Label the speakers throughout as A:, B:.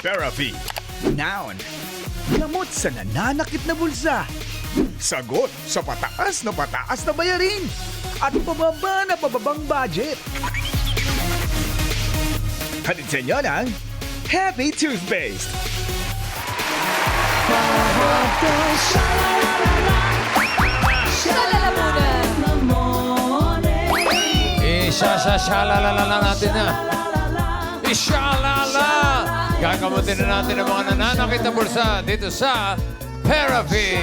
A: Therapy. Noun. Gamot sa nananakit na bulsa. Sagot sa pataas na bayarin. At pababang budget. Hatid sa inyo ng Happy Toothpaste.
B: Isa-sa-shalala natin na. Ishalala! Gagamutin na natin ang mga nananakit na bulsa dito sa Therapy.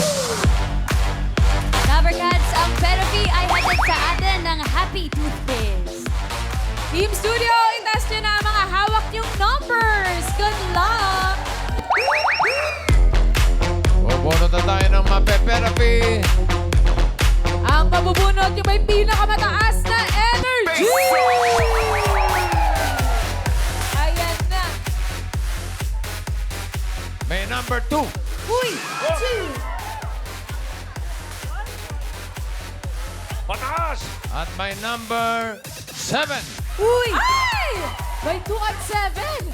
C: Lovercats, ang therapy ay hatid sa atin ng Happy Toothpaste.
D: Team Studio, itas nyo na ang mga hawak yung numbers. Good luck!
B: Bubunot na tayo ng Mape-Therapy.
D: Ang mabubunot yung may pinakamataas na energy! Ayan na.
B: May number 2.
D: Uy! 2!
B: Pataas! At may number 7.
D: Uy! Ay! May 2 at 7.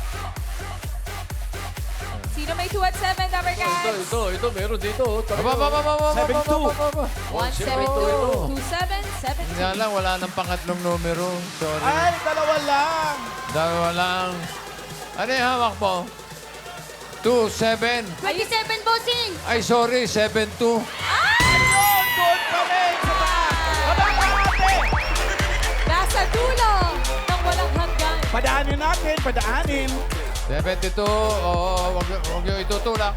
D: Sino may 2 at 7, Lovercats?
E: Ito, meron dito.
B: Aba.
D: 172, 27, 17.
B: Nga lang, wala nang pangatlong numero. Sorry.
E: Ay, dalawa lang.
B: Dalawa lang. Ano yung hawak mo? 2-7.
C: 27, bossing!
B: Ay, sorry, 7-2.
E: Ayun, doon kami. Sa taas. Kalahati.
D: Nasa dulo ng walang hanggan.
E: Padaanin natin, padaanin.
B: 72. Oo, wag yung itutulak.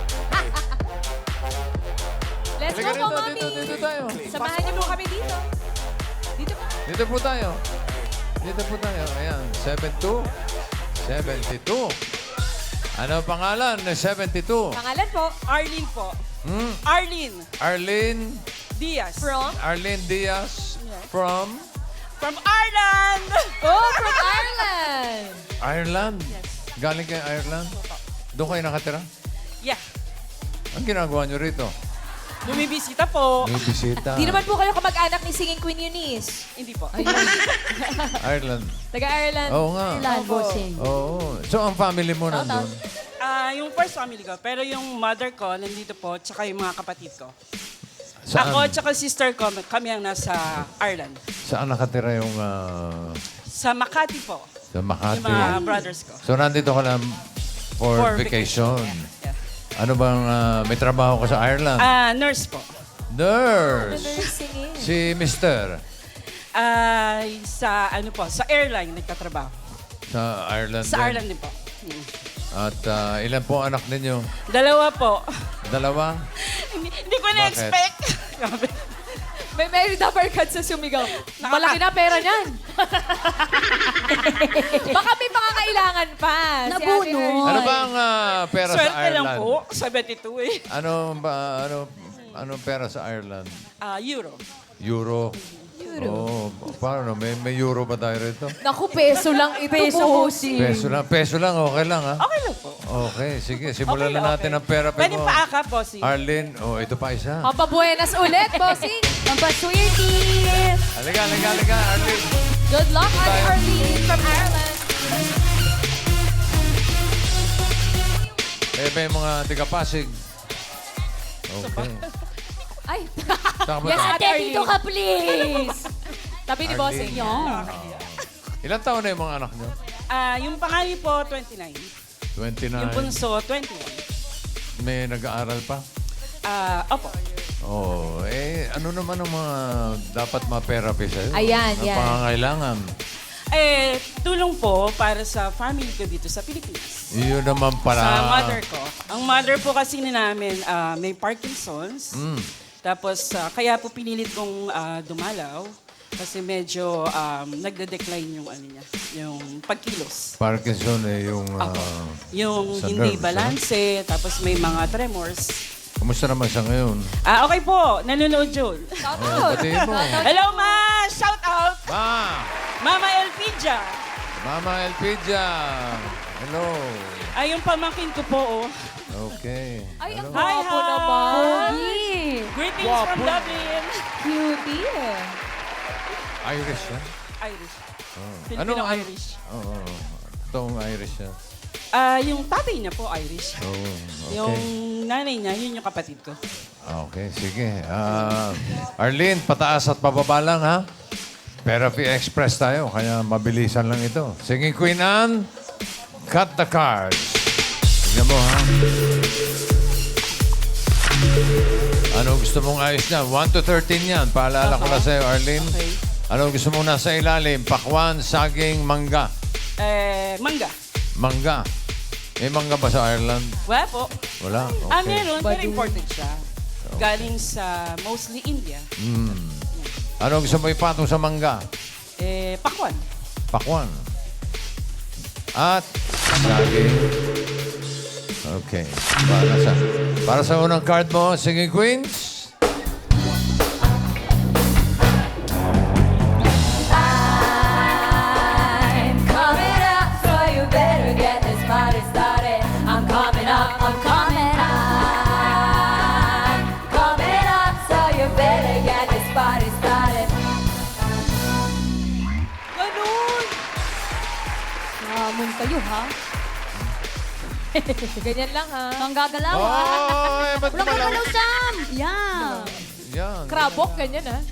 D: Let's
B: Halika
D: go po,
B: rito,
D: Mami.
B: dito tayo.
D: Samahan niyo po kami dito. Dito po.
B: Dito po tayo. Dito po tayo. Ayan, 72. 72. Ano ang pangalan ng 72?
D: Pangalan po?
F: Arlene po.
B: Hmm?
F: Arlene
B: Arlene
F: Diaz.
D: From?
B: Arlene Diaz from
F: From Ireland!
D: Oh, from Ireland.
B: Ireland. Galing kayo Ireland? Doon kayo nakatira?
F: Yeah.
B: Ang ginagawa nyo rito?
F: Bumibisita po.
B: May bisita.
D: Di naman po kayo kamag-anak ni Singing Queen Eunice.
F: Hindi po.
B: Ireland.
D: Taga-Ireland.
B: Oo nga.
C: Ilan, bossing?
B: Oo. So, ang family mo nandun?
F: Yung first family ko. Pero yung mother ko, nandito po. Tsaka yung mga kapatid ko.
B: Saan?
F: Ako tsaka sister ko, kami ang nasa Ireland.
B: Saan nakatira yung
F: Sa Makati po.
B: sa
F: Yung
B: Makati?
F: mga brothers ko.
B: So, nandito ka lang for vacation.
F: Yeah.
B: Ano bang may trabaho ka sa Ireland?
F: Nurse po.
B: Nurse.
D: Singing.
B: Si Mister.
F: Sa ano po, sa airline nagtatrabaho.
B: Sa Ireland
F: Sa
B: din.
F: Ireland din po.
B: At ilan po anak ninyo?
F: Dalawa po.
B: Dalawa?
F: Hindi ko na-expect.
D: May married uppercut sa sumigaw. Malaki na pera niyan. Baka may pangangailangan pa. Si Ate
C: Nabuno.
D: Hershey.
B: Ano ba ang pera sa
F: Swerte lang
B: Ireland?
F: po. 72 eh.
B: Anong pera sa Ireland?
F: Euro.
B: Euro. Oh, paano? May euro ba tayo rito?
D: Naku, peso lang ito, bossing.
B: Peso lang, okay lang ha?
F: Okay lang po.
B: Okay, sige. Simulan
F: Okay,
B: na natin
F: okay.
B: ang pera
F: Pwede
B: mo.
F: pa aka, bossy.
B: Arlene, ito pa isa.
D: Pampabuenas ulit, bossing.
C: Pampaswerte!
B: Halika, Arlene.
D: Good luck, Ate
B: Tayo.
D: Arlene from Ireland.
B: May mga tiga-Pasig. Okay.
D: Ay,
B: Saan ba
D: Yes,
B: tayo?
D: Ate
C: Ate, dito ka, please!
D: tabi ni
B: Arlene.
D: bossing.
B: Ilan taon na yung mga anak nyo?
F: Yung pangalan po, 29.
B: 29.
F: Yung bunso, 21.
B: May nag-aaral pa?
F: Opo.
B: Oo. Ano naman ang mga dapat ma-therapy sa'yo?
D: Ayan,
B: ang
D: yan.
B: pangangailangan.
F: Tulong po para sa family ko dito sa Pilipinas.
B: Yun naman pala.
F: Sa mother ko. Ang mother po kasi namin may Parkinson's. Tapos kaya po pinilit kong dumalaw kasi medyo nagde-decline yung ano niya, yung pagkilos.
B: Parkinson yung...
F: Yung
B: sa
F: hindi
B: nerves,
F: balanse, tapos may mga tremors.
B: Kumusta naman siya ngayon?
F: Okay po, nanonood yun.
D: Shout
B: Oh,
D: out.
B: batiin mo.
F: Hello, Ma! Shout out!
B: Ma!
F: Mama Elpidia!
B: Mama Elpidia! Hello.
F: Yung pamangkin ko po, oh.
B: Okay.
D: Ay, ang
B: Hello.
D: gwapo
F: Hi, hi.
D: naman.
F: Greetings from Dublin.
D: Cutie.
B: Irish yan?
F: Irish.
B: Oh.
F: Filipino
B: Ano-
F: Irish.
B: Oo. Toong Irish yan.
F: Yung tatay niya po, Irish.
B: Oh,
F: Yung
B: okay.
F: nanay niya, yun yung kapatid ko.
B: Okay, sige. Arlene, pataas at pababa lang, ha? Therapy Express tayo, kaya mabilisan lang ito. Singing Queen Anne, cut the cards. Tignan mo, ha? Ano gusto mong ayos niya? 1 to 13 yan. Paalala ko lang sa'yo, Arlene.
F: Okay.
B: Ano gusto mong nasa ilalim? Pakwan, saging, mangga.
F: Mangga.
B: Mangga. May mangga ba sa Ireland?
F: Wala po.
B: Wala? Okay.
F: Meron. Pero imported siya. Galing sa mostly India.
B: Ano gusto mo ipatong sa mangga?
F: Pakwan.
B: Pakwan. At saging. Okay. Para sa unang card mo, Singing Queens.
C: I'm coming up, so you better get this party started. I'm coming up, I'm coming up. Coming up, so you better get this party started.
D: Ganun! Hamon kayo, ha? Ganyan lang, ha?
C: Ang gagalaw,
B: Oh,
C: ah.
B: ba't
C: Walang
B: malaw?
C: gagalaw, Sam! Yeah.
B: Yan.
D: Krabok, ganyan, ha?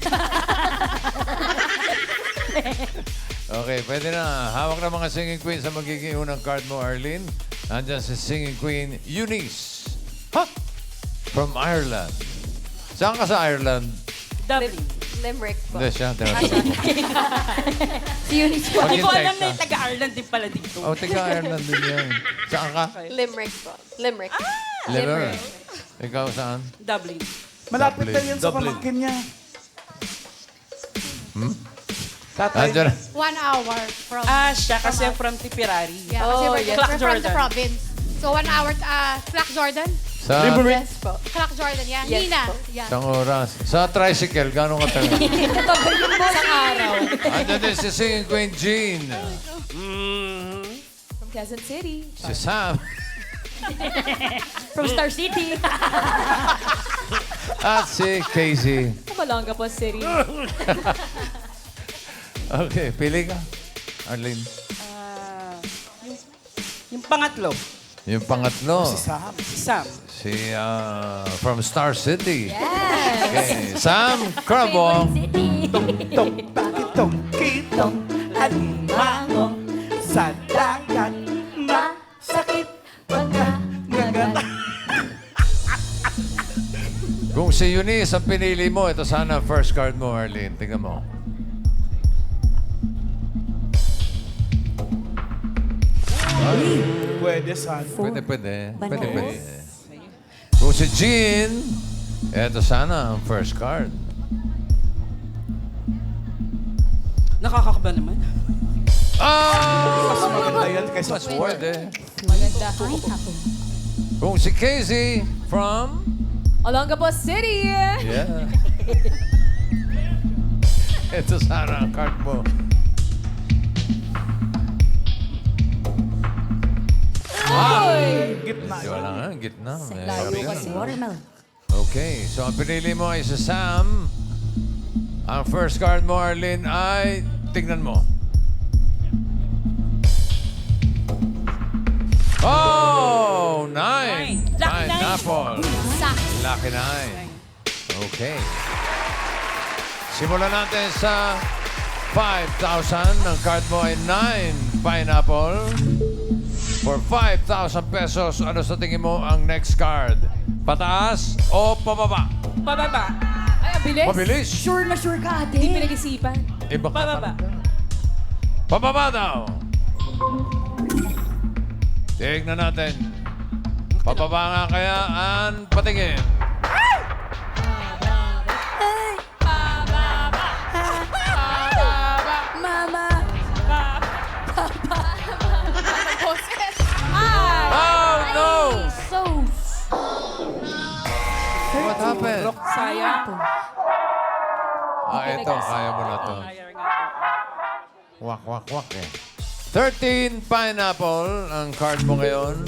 B: Okay, pwede na. Hawak na mga Singing Queens sa magiging unang card mo, Arlene. Nandyan si Singing Queen Eunice. Ha? From Ireland. Saan ka sa Ireland?
F: Dublin.
D: Limerick po.
B: Hindi siya. Tinatanong ko.
C: Si Eunice po.
F: Hindi ko
B: Maghintay
F: alam na
B: ka.
F: yung taga-Ireland din pala dito.
B: Oh, taga Ireland din yan. Saan ka?
D: Limerick po. Limerick.
B: Limerick. Ikaw saan?
F: Dublin.
E: Malapit
B: Dublin.
E: lang yan sa pamangkin niya. Tatay.
B: Nandyan.
G: 1 hour from...
F: Siya kasi from Tipperary.
G: Yeah, kasi
D: Oh,
G: we're,
D: yes.
G: we're from the
F: Jordan.
G: province. So 1 hour, Clark Jordan?
B: Sa
D: Yes po.
G: Clark Jordan, yeah.
D: Yes
G: Nina.
D: po.
G: Yeah.
B: isang oras. Sa tricycle, gano'ng katagal?
D: Tagal yun mo sa araw.
B: Andyan din si Singing Queen Jean.
D: From Quezon City.
B: Si Sam.
D: From Star City.
B: At si Casey.
D: Malanga po City.
B: Okay, pili ka. Arlene.
F: Yung pangatlo,
B: Yung pangatlo.
E: Sam.
F: si Sam.
B: Si from Star City. Okay. Sam Crabong.
E: Tong, bakitong, kitong, alimango, sa dagat, masakit, pagkagagat.
B: Kung si Eunice ang pinili mo, ito sana ang first card mo, Arlene. Tingnan mo.
E: Pwede, son.
B: Pwede. Kung si Jean, ito sana ang first card.
F: Nakakakaba naman.
B: Ah!
E: Mas maganda yan kaysa
B: Mas pwede.
D: Maganda.
B: Kung si Casey from...
D: Olongapo City.
B: Yeah. Ito sana ang card mo.
E: Gitna.
B: Wala nga, gitna.
D: Layo
B: Mahirap
D: kasi.
B: yan. Okay, so ang pinili mo ay si Sam. Ang first card mo, Arlene, ay... Tignan mo. Oh! Nine!
F: Lucky nine.
B: Pineapple. Lucky nine. Okay. Simulan natin sa 5,000. Ang card mo ay 9 pineapple. For 5,000 pesos, ano sa tingin mo ang next card? Pataas o pababa?
F: Pababa.
D: Ay, ang bilis.
B: Mabilis.
C: Sure na sure ka, ate.
D: Hindi pinag-isipan.
B: Iba ka
F: Pababa.
B: talaga. Pababa daw. Tignan natin. Pababa nga kaya ang patingin.
C: Mama.
B: Oh, no!
C: So,
B: What happened?
F: Sayang.
B: Ito. Kaya mo na to.
F: Sayang nga po.
B: Wak eh. 13 pineapple ang card mo ngayon.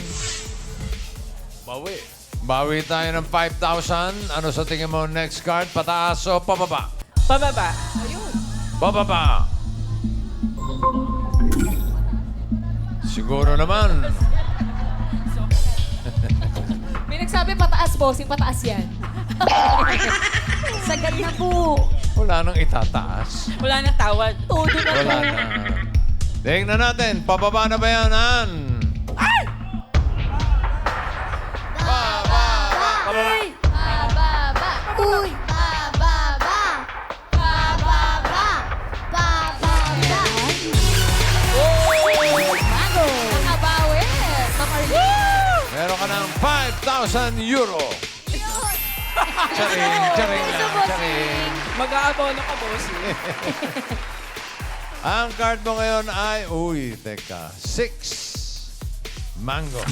B: Bawi tayo ng 5,000. Ano sa tingin mo next card? Pataas o pababa?
F: Pababa.
B: Pababa. Siguro naman.
D: bossing. Pataas yan.
C: Sagad na po.
B: Wala nang itataas.
F: Wala nang tawad.
D: Todo na
B: Wala
D: po.
B: na. Tingnan natin, pababa na ba yan, Han?
C: Uy! Bababa! Uy! Bababa! Bababa! Bababa!
D: Nakabawi. Ma'am Arlene.
B: Meron ka ng 5,000 euro. Charing, charing lang, charing.
F: Mag-aabono ka, boss.
B: Ang card mo ngayon ay, teka, 6 mango.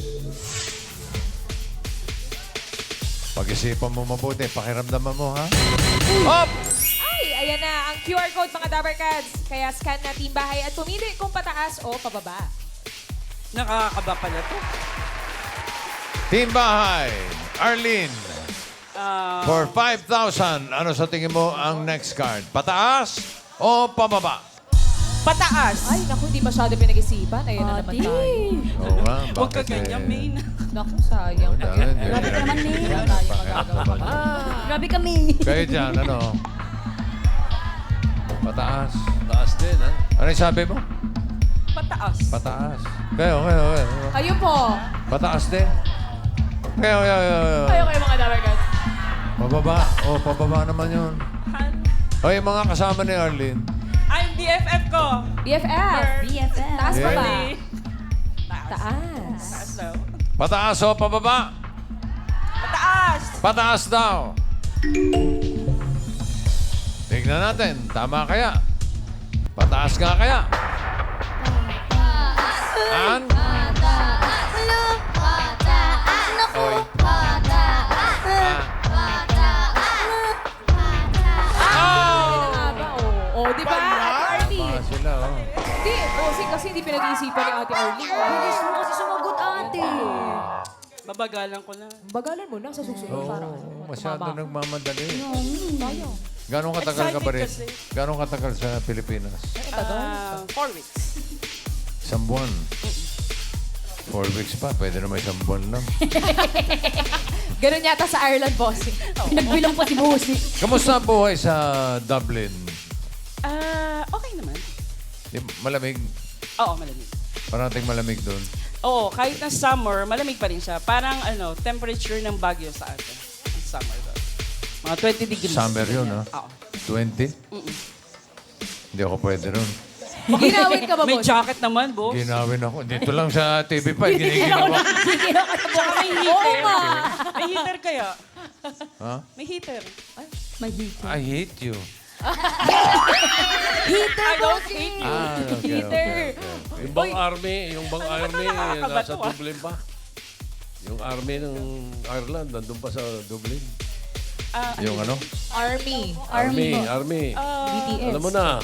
B: Pag-isipan mo mabuti, pakiramdaman mo, ha? Hop!
D: Ay, ayan na. Ang QR code, mga Dabber Cats. Kaya scan na Team Bahay at pumili kung pataas o pababa.
F: Nakakaba pala to.
B: Team Bahay, Arlene, for 5,000, ano sa tingin mo ang next card? Pataas o pababa?
F: Pataas.
D: Ay, naku, hindi masyado pinag-isipan. Ayan na naman tayo.
B: Oo nga,
F: Huwag ka
B: bakit
F: ganyan, Main.
D: Naku, sayang.
C: Grabe ka naman, May.
D: Wala tayong magagawa.
C: Grabe kami.
B: Kayo dyan, ano? Pataas.
E: Taas din, ha?
B: Ano yung sabi mo?
F: Pataas.
B: Pataas. Kayo.
D: Kayo po.
B: Pataas din. Kayo.
D: Kayo mga Dabber Cats.
B: Pababa. Pababa naman yun. O, yung mga kasama ni Arlene.
F: Ay, BFF ko.
D: BFF.
C: BFF.
D: Taas pa
B: Yeah.
D: ba?
F: Taas.
D: Taas.
F: Taas daw.
B: Pataas o pababa?
F: Pataas.
B: Pataas daw. Tignan natin. Tama kaya? Pataas nga kaya? An?
C: Pataas. Pataas. Naku.
B: Oy.
C: Pataas. Pataas.
D: Ano nga ba? Di ba? Ate Arlene.
B: Sila,
D: Hindi, bossing kasi hindi pinag-iisipan ni Ate Arlene.
C: Bilis mo kasi sumagot, ate.
F: Babagalan ko na.
D: Bagalan mo na sa susunod para.
B: Masyado
D: tumaba.
B: nagmamadali.
D: Tayo.
B: Gano'ng katagal ka ba rin?
F: Excited kasi.
B: Gano'ng katagal sa Pilipinas?
F: 4 weeks.
B: Isang buwan. 4 weeks pa. Pwede naman isang buwan lang.
D: Ganun yata sa Ireland, bossing.
C: Nagbilang pa si Bossy.
B: Kamusta ang buhay sa Dublin?
F: Okay naman.
B: Malamig.
F: Oo, malamig.
B: Parating malamig doon.
F: Oo, kahit na summer, malamig pa rin siya. Parang temperature ng Baguio sa atin. Ang summer doon. Mga 20 degrees.
B: Summer yun, ha?
F: Oo.
B: 20? Hindi ako pwede ron.
D: Ginawin ka ba,
F: May
D: boss?
F: jacket naman, boss.
B: Ginawin ako. Dito lang sa TV pa. Giniginawa.
F: Tsaka may heater. May heater kaya?
B: Ha?
F: May heater.
C: May heater.
B: I hate you.
F: I don't hate you.
B: Okay.
E: Yung bang army,
F: nakakaba
E: nasa
F: to, ah?
E: Dublin pa. Yung army ng Ireland, nandun pa sa Dublin.
B: Yung ano?
D: Army.
E: Army.
D: BTS.
E: Alam mo na.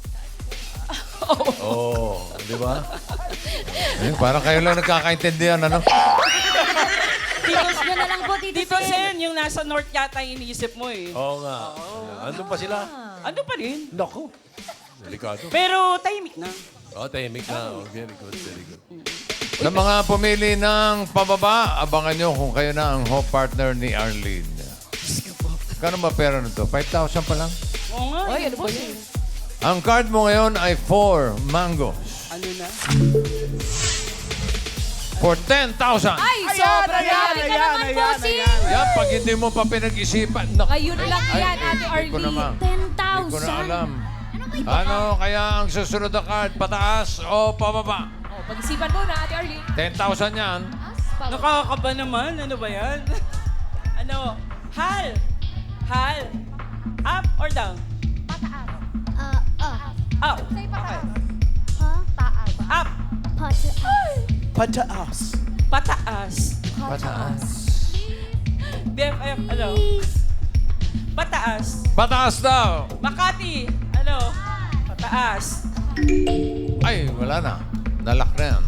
E: Oo. Di ba?
B: Parang kayo lang nagkakaintindihan, ano?
C: Titos nyo na lang po,
F: Dito, Sen, yung nasa north yata yung iniisip mo eh.
E: Oo nga. Andun pa sila.
F: Ano pa rin?
E: Naku. Delikado.
F: Pero tahimik na.
E: Tahimik na. Very good, very good.
B: Sa mga pumili ng pababa, abangan nyo kung kayo na ang hope partner ni Arlene. Kano ba pera nito? 5,000 pa lang?
F: Oo nga.
D: Ay, ano ba yun?
B: Ang card mo ngayon ay 4 mangoes.
F: Ano na?
B: For 10,000.
D: Ay, sobra grabe ka naman, bossing.
B: Yan, pag hindi mo pa pinag-isipan.
D: Ngayon lang yan, Ate
B: Hindi ko
D: Arlene.
B: naman. Hindi ko na alam. Ano kaya ang susunod na card? Pataas o pababa?
D: Pag-isipan mo na, Ate Arlene.
B: 10,000 yan.
F: Nakakaba naman. Ano ba yan? Ano? Hal. Up or down? Up. Okay. Up.
A: Pataas.
F: Pataas.
B: Pataas.
F: BFF, ano? Pataas.
B: Pataas daw.
F: Makati, ano? Pataas.
B: Ay, wala na. Nalak na yan.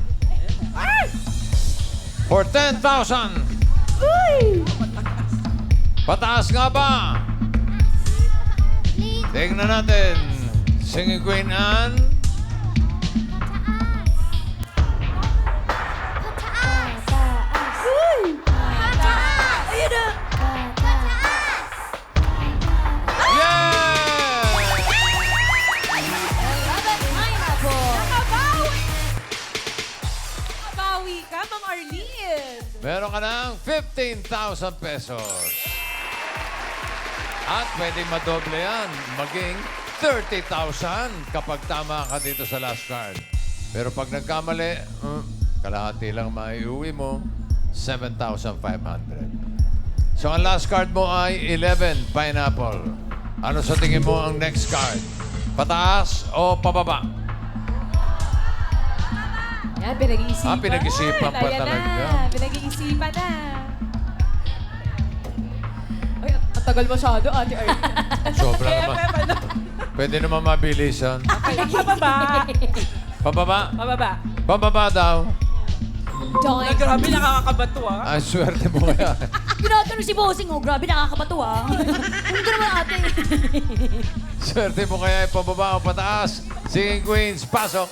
B: For 10,000. Pataas nga ba? Tingnan natin. Singing Queen Anne.
C: Ayun na!
D: makabawi ka, Ma'am Arlene.
B: Meron ka ng 15,000 pesos. At pwedeng madoble yan. Maging 30,000 kapag tama ka dito sa last card. Pero pag nagkamali, kalahati lang maiuwi mo, 7,500. So ang last card mo ay 11, pineapple. Ano sa tingin mo ang next card? Pataas o pababa?
D: Yan, pinag-iisipan.
B: Pinag-isipan pa
D: Ayan
B: talaga.
D: Na, pinag-iisipan na. Ay, ang tagal masyado, Ate Arlene.
B: Sobra naman. Pwede naman mabilisan.
F: Pababa.
B: Pababa?
F: Pababa.
B: Pababa daw.
D: Doink.
F: Grabe, nakakabato ah.
B: Ay, swerte mo kaya.
C: Pinatano si Bossing, oh. Grabe, nakakabato ah. Ano ka naman ate?
B: Swerte mo kaya pababa o pataas. Singing Queens, pasok.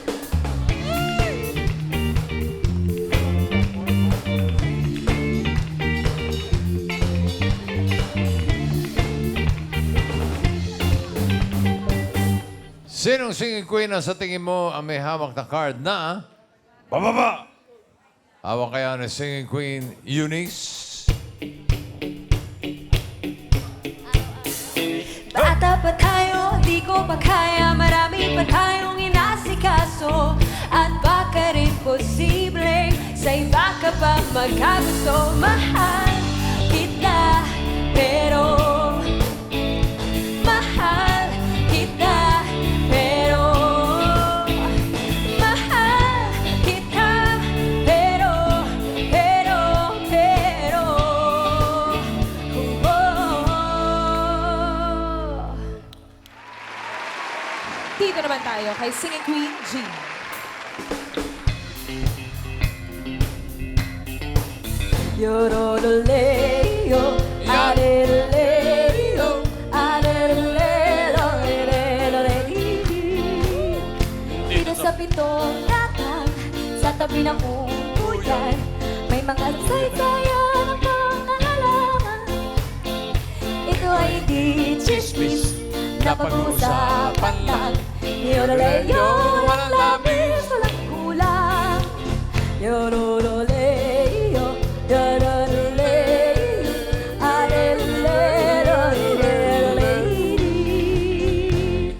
B: Sinong singing queen ang sa tingin mo ang may hawak na card na pababa? Hawak kaya ng singing queen Eunice?
C: Bata pa tayo, di ko pa kaya. Marami pa tayong inasikaso. At baka rin posibleng sa iba ka pa magkagusto. Mahal kita, pero mahal kita, pero mahal kita, pero
D: Dito naman tayo kay Singing Queen Jean.
C: Yorololeo, areleleo, arelelelo, arelelelo. Dito sa pitong latang, sa tabi ng uyan, may mga saysayan ng mga halaman. Ito ay di chismis na pag-uusapan lang. Yoroleo, walang labis, walang kulang. Yorololeo, yorololeo, arelelelo, arelelelo.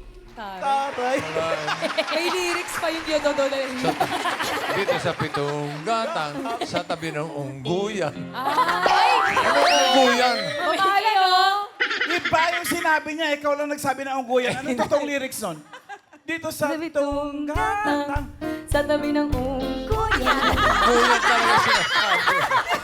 D: May lyrics pa yung Yododoleo.
B: Dito sa pitong gatang, sa tabi ng ungguyan.
D: Ay!
B: Ungguyan!
D: Mamali, oh!
A: Iba yung sinabi niya, ikaw lang nagsabi na ungguyan. Anong totoong lyrics nun? Dito sa
C: Pitong
A: tunggatang.
C: gatang, sa tabi ng unggoyan.
B: Ungguyan talaga sinasabi.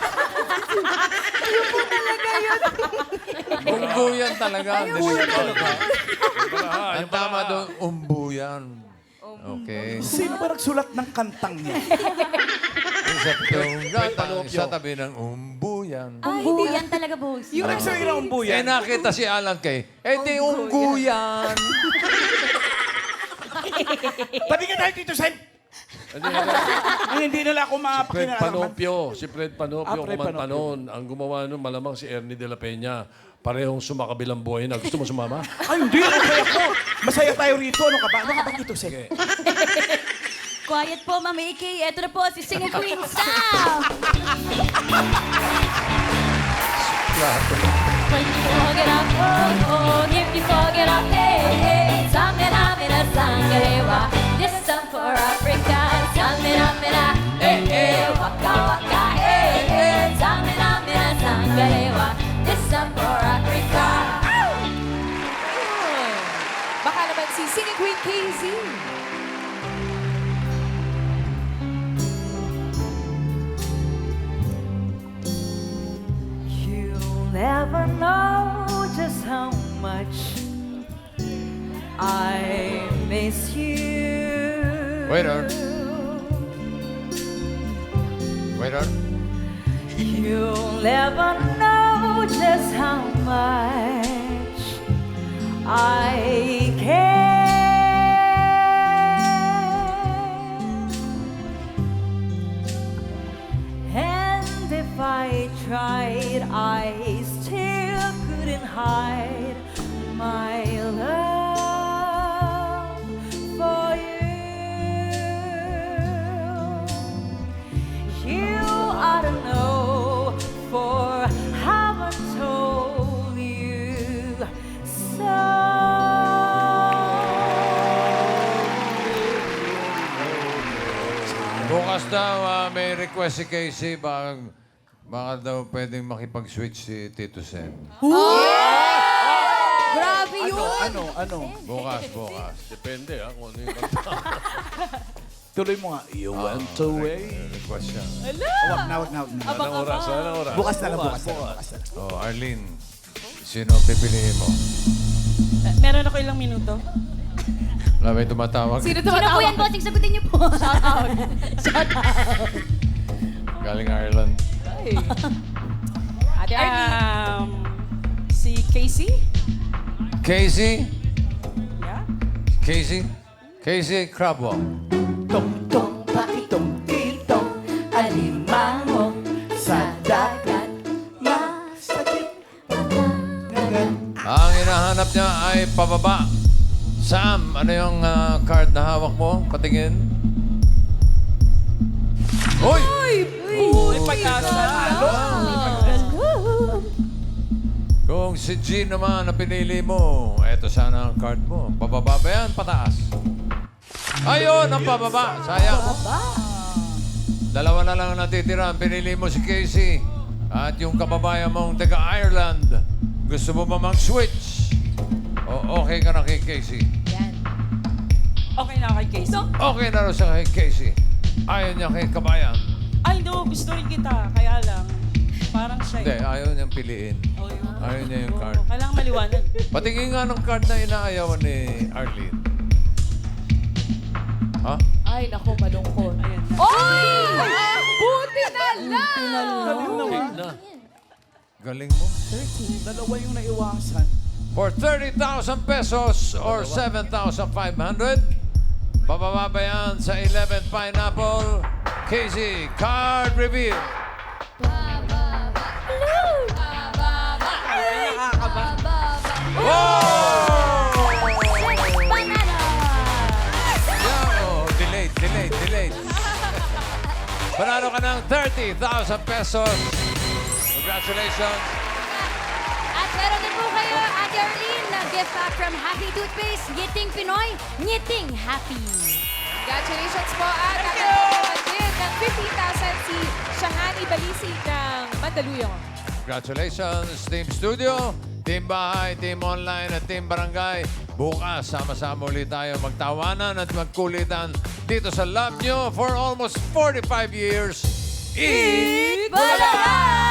B: Ungguyan talaga. Ungguyan talaga. Ang tama doon, umbuyan. Okay.
A: Sino ba nagsulat ng kantang niya?
B: Sa pitong gatang, sa tabi ng umbuyan.
C: Ay, hindi yan talaga, boss.
A: Yung nagsabi ng
B: Eh,
A: umbuyan.
B: nakita si Alan Kay. Di ungguyan.
A: Tabi ka tayo, Tito Sen. Ay, hindi nila ako
E: Fred
A: mapakinaalaman.
E: Panopio. Si Fred Panopio,
A: Fred
E: kumanta
A: Panopio.
E: noon. Ang gumawa nun, malamang si Ernie de la Peña. Parehong sumakabilang buhay na. Gusto mo sumama?
A: Ay, hindi. Okay ako. Masaya tayo rito. Ano ka ba? Ano ka ba, Tito Sen?
C: Quiet po, Mami Iki. Ito na po si Singing Queen Sam. When you forget up, oh, oh, if you forget up, hey, hey, samina, mina, sangarewa. This song for Africa. Samina, mina, hey, hey, waka, waka, hey, hey, samina, mina, sangarewa. This song for Africa.
D: Baka naman si Singing Queen KZ.
C: You'll never know just how much I miss you.
B: Wait on. Wait on.
C: You'll never know just how much I care. And if I tried, I still couldn't hide my love for you.
B: daw may request si Casey, baka daw pwedeng makipag-switch si Tito Sen.
D: Grabe yun.
A: Ano?
B: Bukas.
E: Depende kung ano yung kanta.
A: Tuloy mo nga. You went away.
B: May request siya.
A: Wag na.
E: Anong oras? Anong oras?
A: Bukas na lang.
B: Oh, Arlene, sino pipiliin mo?
F: Meron ako ilang minuto.
B: Wala may tumatawag.
D: Sino
C: Sino po yan, bossing? Sagutin niyo po.
D: Shout out. Shout out.
B: Galing Ireland.
D: Ate Arlene.
F: Si Casey?
B: Casey?
F: Yeah?
B: Casey Crabwell.
A: Tong pakitong kitong alimango sa dagat. Masakit.
B: Ang hinahanap niya ay pababa. Sam, ano yung card na hawak mo? Patingin. Hoy!
F: May pag-asa.
B: Kung si G naman na pinili mo, eto sana ang card mo. Pababa ba yan? Pataas? Ayun, ang pababa. Sayang. Dalawa na lang natitira. Pinili mo si Casey. At yung kababayan mong taga-Ireland. Gusto mo ba mag-switch? O okay ka na kay Casey?
D: Yan.
F: Okay na kay Casey.
B: Okay na rin siya kay Casey. Ayaw niya kay kabayan.
F: Ay, no. Gusto rin kita. Kaya lang, parang siya.
B: Hindi, ayaw niyang piliin.
F: Oh, yun.
B: Ayaw niya yung card.
F: Kailangan maliwanag.
B: Patingin nga ng card na inaayawan ni Arlene. Ha?
D: Ay, naku, malungkot.
F: Ayan na.
D: Oy! Buti na lang!
A: Galing naman.
E: Na.
B: Galing mo.
A: Dalawa yung naiwasan.
B: For 30,000 pesos or 7,500, bababa ba yan sa 11 Pineapple? Casey, card reveal. Wow!
C: Banana.
B: Yeah, oh, delayed. Panalo ka ng 30,000 pesos. Congratulations.
C: At meron din po kayo, Ate Arlene, na gift pack from Happy Toothpaste. Ngiting Pinoy, ngiting happy.
D: Congratulations po at nakakaroon din ng 50,000 si Shahani Balisig ng Mandaluyong.
B: Congratulations, Team Studio, Team Bahay, Team Online, at Team Barangay. Bukas, sama-sama ulit tayo magtawanan at magkulitan dito sa Love Nyo for almost 45 years. Eat
C: Bulaga!